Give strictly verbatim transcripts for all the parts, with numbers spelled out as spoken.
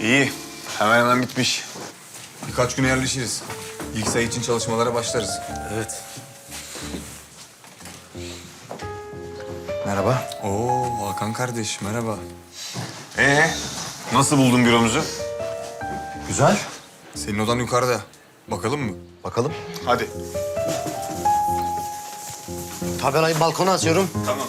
İyi. Hemen hemen bitmiş. Birkaç güne yerleşiriz. İlk sayı için çalışmalara başlarız. Evet. Merhaba. Oo Hakan kardeş merhaba. Ee, nasıl buldun büromuzu? Güzel. Senin odan yukarıda. Bakalım mı? Bakalım. Hadi. Tabelayı balkona asıyorum. Tamam.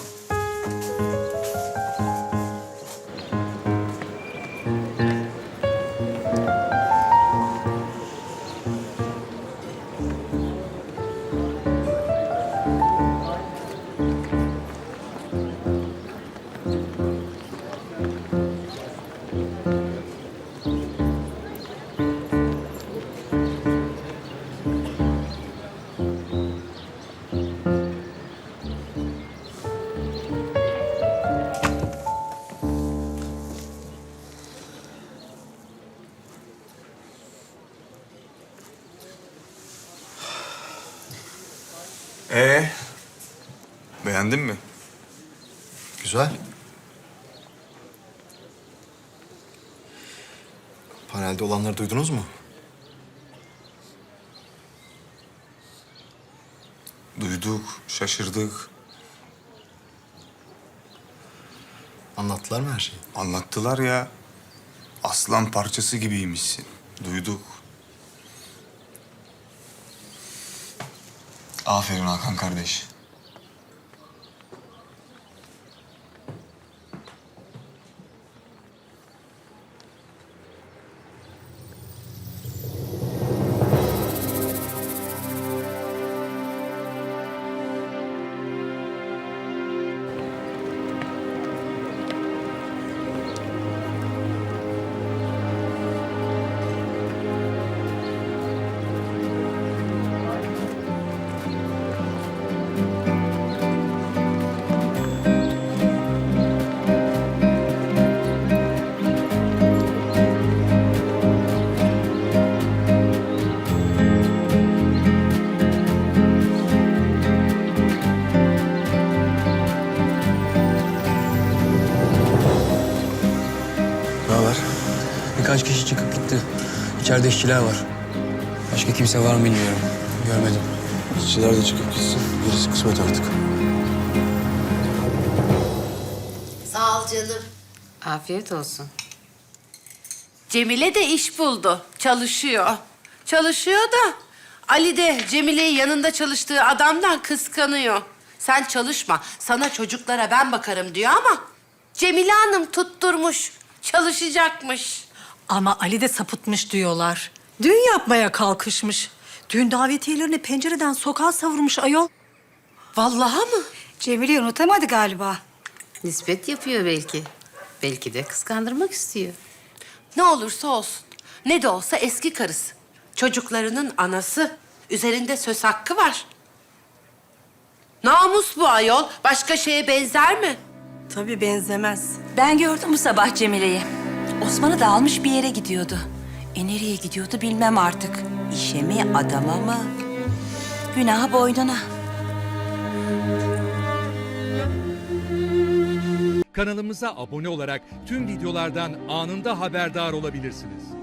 Ee, beğendin mi? Güzel. Panelde olanları duydunuz mu? Duyduk, şaşırdık. Anlattılar mı her şeyi? Anlattılar ya. Aslan parçası gibiymişsin. Duyduk. Aferin Hakan kardeş. Ne haber? Birkaç kişi çıkıp gitti. İçeride işçiler var. Başka kimse var mı bilmiyorum. Görmedim. İşçiler de çıkıp gitsin. Gerisi kısmet artık. Sağ ol canım. Afiyet olsun. Cemile de iş buldu. Çalışıyor. Çalışıyor da Ali de Cemile'yi yanında çalıştığı adamdan kıskanıyor. Sen çalışma. Sana çocuklara ben bakarım diyor ama Cemile Hanım tutturmuş. Çalışacakmış. Ama Ali de sapıtmış diyorlar. Düğün yapmaya kalkışmış. Düğün davetiyelerini pencereden sokağa savurmuş ayol. Vallahi mı? Cemile'yi unutamadı galiba. Nispet yapıyor belki. Belki de kıskandırmak istiyor. Ne olursa olsun. Ne de olsa eski karısı. Çocuklarının anası. Üzerinde söz hakkı var. Namus bu ayol. Başka şeye benzer mi? Tabii benzemez. Ben gördüm bu sabah Cemile'yi. Osman'ı da almış bir yere gidiyordu. E nereye gidiyordu bilmem artık. İşe mi, adama mı? Günahı boynuna. Kanalımıza abone olarak tüm videolardan anında haberdar olabilirsiniz.